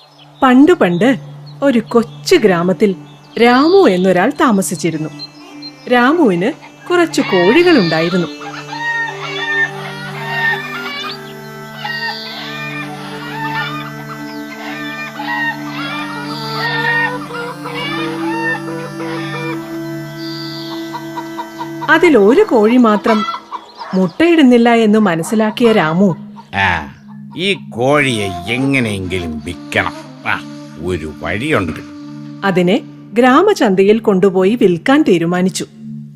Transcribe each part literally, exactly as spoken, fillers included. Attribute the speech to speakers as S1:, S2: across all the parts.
S1: പണ്ട് പണ്ട് ഒരു കൊച്ചു ഗ്രാമത്തിൽ രാമു എന്നൊരാൾ താമസിച്ചിരുന്നു. രാമുവിന് കുറച്ചു കോഴികളുണ്ടായിരുന്നു. അതിലൊരു കോഴി മാത്രം മുട്ടയിടുന്നില്ല എന്ന് മനസ്സിലാക്കിയ രാമു,
S2: ആ ഈ കോഴിയെ എങ്ങനെയെങ്കിലും വിൽക്കണം. ആ ഒരു വഴിയുണ്ട്.
S1: അതിനെ ഗ്രാമചന്തയിൽ കൊണ്ടുപോയി വിൽക്കാൻ തീരുമാനിച്ചു.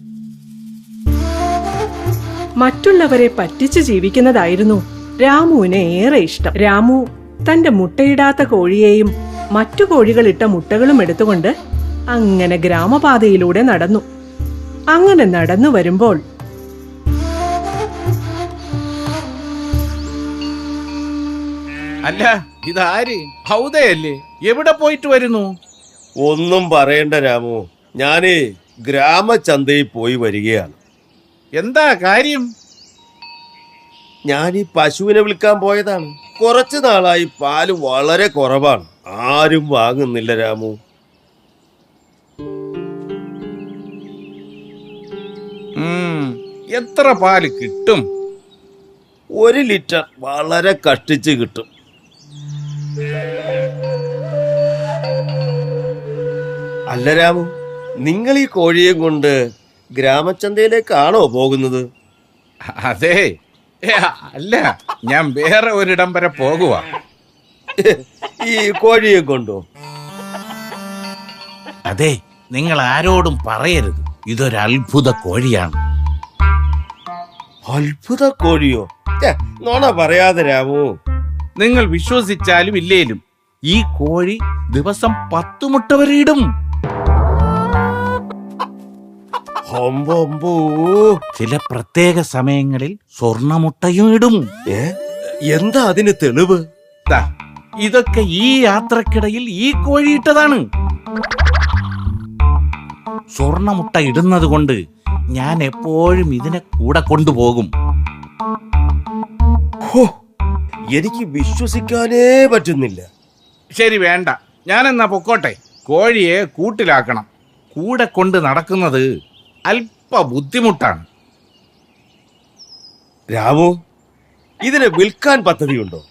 S1: മറ്റുള്ളവരെ പറ്റിച്ച് ജീവിക്കുന്നതായിരുന്നു രാമുവിന് ഏറെ ഇഷ്ടം. രാമു തന്റെ മുട്ടയിടാത്ത കോഴിയെയും മറ്റു കോഴികളിട്ട മുട്ടകളും എടുത്തുകൊണ്ട് അങ്ങനെ ഗ്രാമപാതയിലൂടെ നടന്നു. അങ്ങനെ നടന്നു വരുമ്പോൾ
S2: അല്ല, ഇതാര്? ഹൗദയല്ലേ? എവിടെ പോയിട്ട് വരുന്നു?
S3: ഒന്നും പറയണ്ട രാമു, ഞാനേ ഗ്രാമചന്തയിൽ പോയി വരികയാണ്.
S2: എന്താ കാര്യം?
S3: ഞാൻ ഈ പശുവിനെ വിൽക്കാൻ പോയതാണ്. കുറച്ചു നാളായി പാല് വളരെ കുറവാണ്, ആരും വാങ്ങുന്നില്ല രാമു.
S2: എത്ര പാല് കിട്ടും?
S3: ഒരു ലിറ്റർ വളരെ കഷ്ടിച്ച് കിട്ടും. അല്ല രാമു, നിങ്ങൾ ഈ കോഴിയെ കൊണ്ട് ഗ്രാമചന്തയിലേക്കാണോ പോകുന്നത്?
S2: അതെ, അല്ല, ഞാൻ വേറെ ഒരിടം വരെ പോകുക.
S3: ഈ കോഴിയെ കൊണ്ടോ?
S2: അതെ, നിങ്ങൾ ആരോടും പറയരുത്, ഇതൊരു അത്ഭുത കോഴിയാണ്.
S3: അത്ഭുത കോഴിയോ? നോണ പറയാതെ രാമു.
S2: നിങ്ങൾ വിശ്വസിച്ചാലും ഇല്ലേലും ഈ കോഴി ദിവസം പത്തു മുട്ട വരെ ഇടും. ചില പ്രത്യേക സമയങ്ങളിൽ സ്വർണമുട്ടയും ഇടും.
S3: എന്താ അതിന് തെളിവ്?
S2: ഇതൊക്കെ ഈ യാത്രക്കിടയിൽ ഈ കോഴി ഇട്ടതാണ്. സ്വർണമുട്ട ഇടുന്നത് കൊണ്ട് ഞാൻ എപ്പോഴും ഇതിനെ കൂടെ കൊണ്ടുപോകും.
S3: എനിക്ക് വിശ്വസിക്കാനേ പറ്റുന്നില്ല.
S2: ശരി, വേണ്ട, ഞാനെന്നാ പൊക്കോട്ടെ. കോഴിയെ കൂട്ടിലാക്കണം. കൂടെ കൊണ്ട് നടക്കുന്നത് അല്പ ബുദ്ധിമുട്ടാണ്.
S3: രാമു, ഇതിനെ വിൽക്കാൻ പദ്ധതിയുണ്ടോ?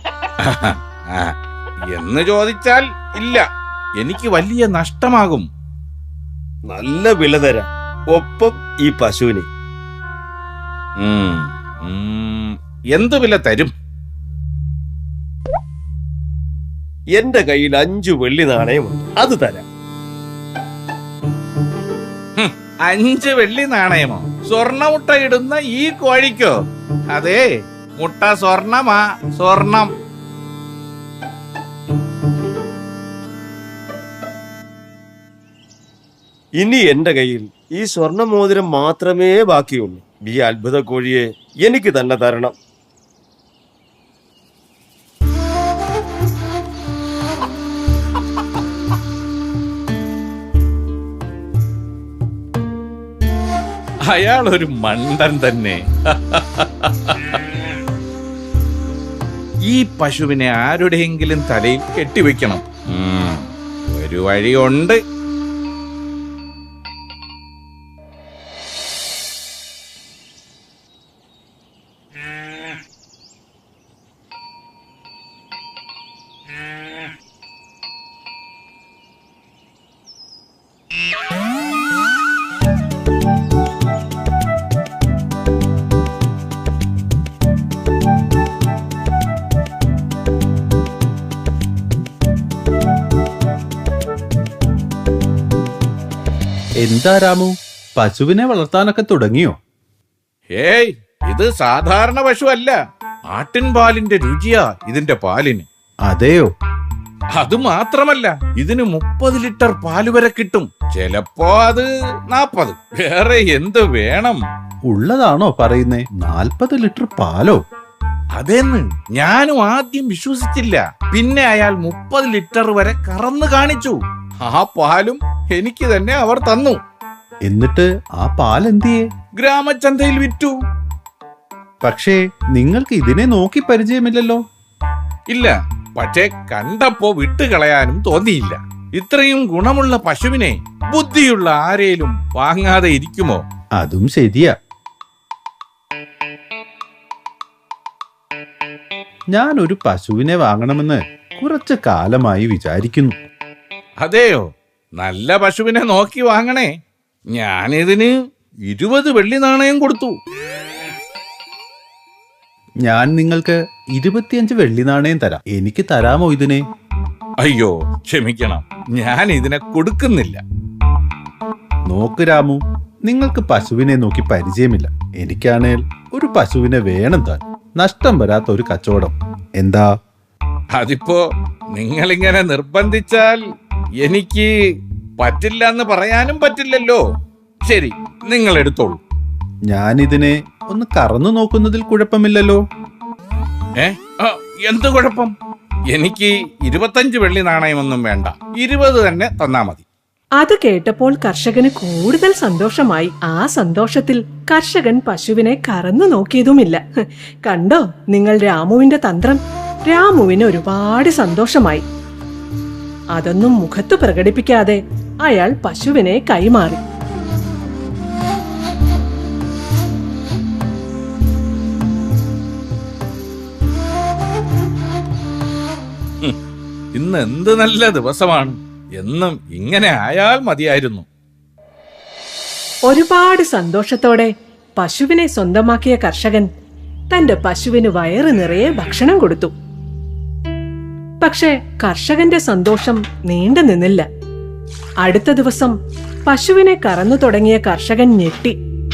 S2: എന്ന് ചോദിച്ചാൽ ഇല്ല, എനിക്ക് വലിയ നഷ്ടമാകും.
S3: നല്ല വില തരാം, ഒപ്പം ഈ പശുവിനെ.
S2: എന്ത് വില തരും?
S3: എന്റെ കയ്യിൽ അഞ്ചു വെള്ളി നാണയമുണ്ട്, അത് തരാം.
S2: അഞ്ച് വെള്ളി നാണയമോ? സ്വർണ്ണമുട്ട ഇടുന്ന ഈ കോഴിക്കോ? അതെ, മുട്ട സ്വർണമാ, സ്വർണം.
S3: ഇനി എന്റെ കയ്യിൽ ഈ സ്വർണ്ണ മോതിരം മാത്രമേ ബാക്കിയുള്ളൂ. ഈ അത്ഭുത കോഴിയെ എനിക്ക് തന്നെ തരണം.
S2: അയാൾ ഒരു മണ്ടൻ തന്നെ. ഈ പശുവിനെ ആരുടെയെങ്കിലും തലയിൽ കെട്ടിവെക്കണം. ഒരു വഴിയുണ്ട്.
S4: എന്താ രാമു, പശുവിനെ വളർത്താനൊക്കെ തുടങ്ങിയോ?
S2: ഏയ്, ഇത് സാധാരണ പശു അല്ല. ആട്ടിൻ പാലിന്റെ രുചിയാ ഇതിന്റെ പാലിന്.
S4: അതെയോ?
S2: അത് മാത്രമല്ല, ഇതിന് മുപ്പത് ലിറ്റർ പാല് വരെ കിട്ടും. ചിലപ്പോ അത് നാപ്പത്. വേറെ എന്ത് വേണം?
S4: ഉള്ളതാണോ പറയുന്നേ? നാൽപ്പത് ലിറ്റർ പാലോ?
S2: അതെന്ന് ഞാനും ആദ്യം വിശ്വസിച്ചില്ല. പിന്നെ അയാൾ മുപ്പത് ലിറ്റർ വരെ കറന്നു കാണിച്ചു. ആ പാലും എനിക്ക് തന്നെ അവർ തന്നു.
S4: എന്നിട്ട് ആ പാൽ എന്തിയെ?
S2: ഗ്രാമചന്തയിൽ വിറ്റു.
S4: പക്ഷേ നിങ്ങൾക്ക് ഇതിനെ നോക്കി പരിചയമില്ലല്ലോ.
S2: ഇല്ല, പക്ഷേ കണ്ടപ്പോ വിട്ടുകളയാനും തോന്നിയില്ല. ഇത്രയും ഗുണമുള്ള പശുവിനെ ബുദ്ധിയുള്ള ആരേലും വാങ്ങാതെ ഇരിക്കുമോ?
S4: അതും ശരിയാ. ഞാൻ ഒരു പശുവിനെ വാങ്ങണമെന്ന് കുറച്ചു കാലമായി വിചാരിക്കുന്നു.
S2: അതെയോ? നല്ല പശുവിനെ നോക്കി വാങ്ങണേ. ഞാനിതിന് ഇരുപത് വെള്ളി നാണയം കൊടുത്തു.
S4: ഞാൻ നിങ്ങൾക്ക് ഇരുപത്തിയഞ്ച് വെള്ളി നാണയം തരാം. എനിക്ക് തരാമോ ഇതിനെ?
S2: അയ്യോ, ക്ഷമിക്കണം, ഞാൻ ഇതിനെ കൊടുക്കുന്നില്ല.
S4: നോക്ക് രാമു, നിങ്ങൾക്ക് പശുവിനെ നോക്കി പരിചയമില്ല. എനിക്കാണേൽ ഒരു പശുവിനെ വേണം താൻ. നഷ്ടം വരാത്ത ഒരു കച്ചവടം. എന്താ?
S2: അതിപ്പോ നിങ്ങളിങ്ങനെ നിർബന്ധിച്ചാൽ എനിക്ക് പറ്റില്ല എന്ന് പറയാനും പറ്റില്ലല്ലോ. ശരി, നിങ്ങൾ എടുത്തോളൂ.
S4: ഞാനിതിനെ ഒന്ന് കറന്നു നോക്കുന്നതിൽ കുഴപ്പമില്ലല്ലോ.
S2: ഏ ആ, എന്ത് കുഴപ്പം? എനിക്ക് ഇരുപത്തഞ്ച് വെള്ളി നാണയമൊന്നും വേണ്ട, ഇരുപത് തന്നെ തന്നാ മതി.
S1: അത് കേട്ടപ്പോൾ കർഷകന് കൂടുതൽ സന്തോഷമായി. ആ സന്തോഷത്തിൽ കർഷകൻ പശുവിനെ കറന്നു നോക്കിയതുമില്ല. കണ്ടോ നിങ്ങൾ രാമുവിന്റെ തന്ത്രം? രാമുവിന് ഒരുപാട് സന്തോഷമായി. അതൊന്നും മുഖത്ത് പ്രകടിപ്പിക്കാതെ അയാൾ പശുവിനെ കൈമാറി.
S2: ഇന്ന് എന്ത് നല്ല ദിവസമാണ്. എന്നും ഇങ്ങനെ ആയാൽ മതിയായിരുന്നു.
S1: ഒരുപാട് സന്തോഷത്തോടെ പശുവിനെ സ്വന്തമാക്കിയ കർഷകൻ തന്റെ പശുവിന് വയറ് നിറയെ ഭക്ഷണം കൊടുത്തു. പക്ഷെ കർഷകന്റെ സന്തോഷം നീണ്ടു നിന്നില്ല. അടുത്ത ദിവസം പശുവിനെ കറന്നു തുടങ്ങിയ കർഷകൻ ഞെട്ടി.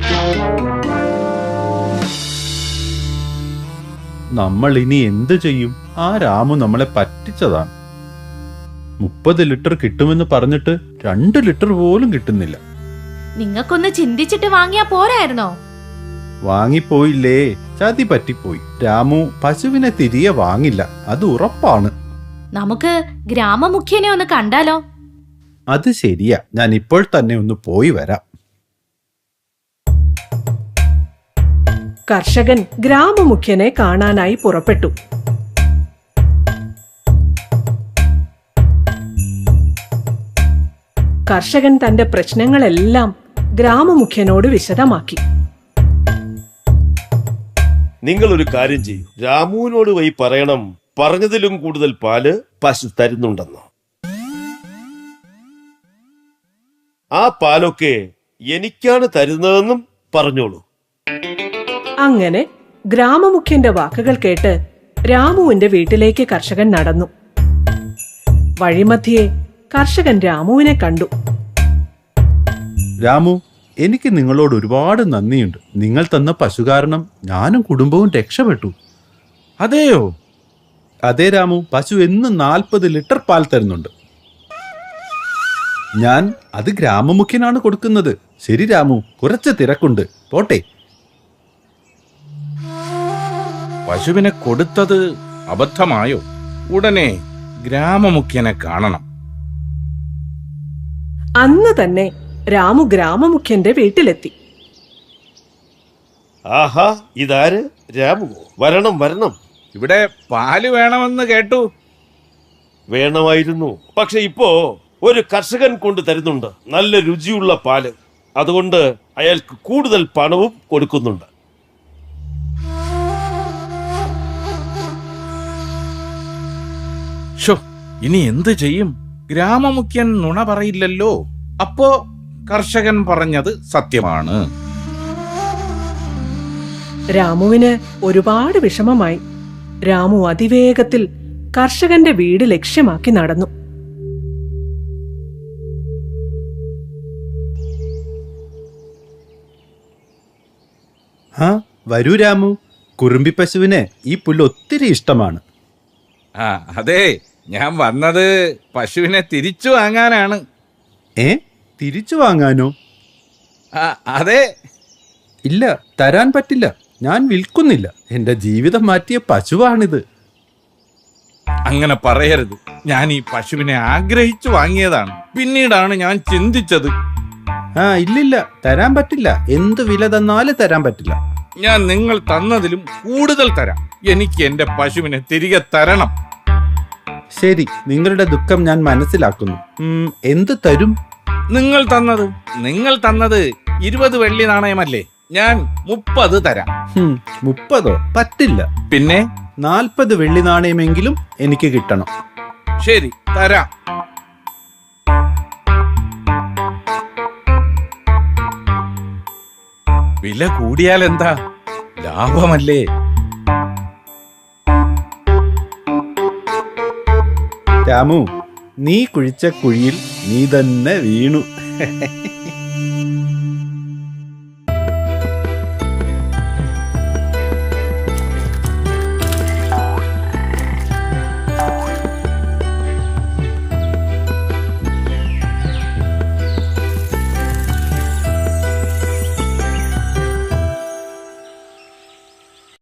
S4: നമ്മൾ ഇനി എന്ത് ചെയ്യും? ആ രാമു നമ്മളെ പറ്റിച്ചതാണ്. മുപ്പത് ലിറ്റർ കിട്ടുമെന്ന് പറഞ്ഞിട്ട് രണ്ട് ലിറ്റർ പോലും കിട്ടുന്നില്ല.
S5: നിങ്ങൾക്കൊന്ന് ചിന്തിച്ചിട്ട് വാങ്ങിയാ പോരായിരുന്നോ?
S4: വാങ്ങിപ്പോയില്ലേ, ചതി പറ്റിപ്പോയി. രാമു പശുവിനെ തിരികെ വാങ്ങില്ല, അത് ഉറപ്പാണ്.
S5: നമുക്ക് ഗ്രാമമുഖ്യനെ ഒന്ന് കണ്ടാലോ?
S4: അത് ശരിയാ, ഞാൻ ഇപ്പോൾ തന്നെ ഒന്ന് പോയി വരാം.
S1: കർഷകൻ ഗ്രാമമുഖ്യനെ കാണാനായി പുറപ്പെട്ടു. കർഷകൻ തന്റെ പ്രശ്നങ്ങളെല്ലാം ഗ്രാമമുഖ്യനോട് വിശദമാക്കി.
S3: നിങ്ങൾ ഒരു കാര്യം ചെയ്യൂ, രാമുവിനോട് പോയി പറയണം പറഞ്ഞതിലും കൂടുതൽ പാല് പശു തരുന്നുണ്ടെന്ന്. ആ പാലൊക്കെ എനിക്കാണ് തരുന്നതെന്നും പറഞ്ഞോളൂ.
S1: അങ്ങനെ ഗ്രാമമുഖ്യന്റെ വാക്കുകൾ കേട്ട് രാമുവിന്റെ വീട്ടിലേക്ക് കർഷകൻ നടന്നു. വഴിമധ്യേ കർഷകൻ രാമുവിനെ കണ്ടു.
S4: രാമു, എനിക്ക് നിങ്ങളോട് ഒരുപാട് നന്ദിയുണ്ട്. നിങ്ങൾ തന്ന പശു കാരണം ഞാനും കുടുംബവും രക്ഷപ്പെട്ടു.
S2: അതെയോ?
S4: അതെ രാമു, പശു എന്നും നാൽപ്പത് ലിറ്റർ പാൽ തരുന്നുണ്ട്. ഞാൻ അത് ഗ്രാമമുഖ്യനാണ് കൊടുക്കുന്നത്. ശരി രാമു, കുറച്ച് തിരക്കുണ്ട്, പോട്ടെ.
S2: പശുവിനെ കൊടുത്തത് അബദ്ധമായോ? ഉടനെ ഗ്രാമമുഖ്യനെ കാണണം.
S1: അന്ന് തന്നെ രാമു ഗ്രാമമുഖ്യന്റെ വീട്ടിലെത്തി.
S3: ആഹാ, ഇതാര്? രാമുവോ? വരണം വരണം.
S2: ഇവിടെ പാല് വേണമെന്ന് കേട്ടു.
S3: വേണമായിരുന്നു, പക്ഷെ ഇപ്പോ ഒരു കർഷകൻ കൊണ്ട് തരുന്നുണ്ട് നല്ല രുചിയുള്ള പാല്. അതുകൊണ്ട് അയാൾക്ക് കൂടുതൽ പണവും കൊടുക്കുന്നുണ്ട്.
S2: ഷോ, ഇനി എന്ത് ചെയ്യും? ഗ്രാമമുഖ്യൻ നുണ പറയില്ലല്ലോ. അപ്പോ കർഷകൻ പറഞ്ഞത് സത്യമാണ്.
S1: രാമുവിന് ഒരുപാട് വിഷമമായി. രാമു അതിവേഗത്തിൽ കർഷകന്റെ വീട് ലക്ഷ്യമാക്കി നടന്നു.
S4: ആ വരൂ രാമു, കുറുമ്പി പശുവിന് ഈ പുല്ല് ഒത്തിരി ഇഷ്ടമാണ്.
S2: ആ അതെ, ഞാൻ വന്നത് പശുവിനെ തിരിച്ചു വാങ്ങാനാണ്.
S4: ഏ, തിരിച്ചു വാങ്ങാനോ?
S2: ആ അതെ.
S4: ഇല്ല, തരാൻ പറ്റില്ല. ഞാൻ വിൽക്കുന്നില്ല. എന്റെ ജീവിതം മാറ്റിയ പശുവാണിത്.
S2: അങ്ങനെ പറയരുത്. ഞാൻ ഈ പശുവിനെ ആഗ്രഹിച്ചു വാങ്ങിയതാണ്. പിന്നീടാണ് ഞാൻ ചിന്തിച്ചത്.
S4: ആ ഇല്ലില്ല, തരാൻ പറ്റില്ല. എന്ത് വില തന്നാലും തരാൻ പറ്റില്ല.
S2: ഞാൻ നിങ്ങൾ തന്നതിലും കൂടുതൽ തരാം. എനിക്ക് എന്റെ പശുവിനെ തിരികെ തരണം.
S4: ശരി, നിങ്ങളുടെ ദുഃഖം ഞാൻ മനസ്സിലാക്കുന്നു. ഉം, എന്ത് തരും?
S2: നിങ്ങൾ തന്നത് നിങ്ങൾ തന്നത് ഇരുപത് വെള്ളി നാണയമല്ലേ? ഞാൻ മുപ്പത് തരാം.
S4: ഹും, മുപ്പതോ? പറ്റില്ല.
S2: പിന്നെ
S4: നാൽപ്പത് വെള്ളി നാണയമെങ്കിലും എനിക്ക് കിട്ടണം.
S2: ശരി, തരാം. വില കൂടിയാൽ എന്താ, ലാഭമല്ലേ?
S4: രാമു, നീ കുഴിച്ച കുഴിയിൽ നീ തന്നെ വീണു.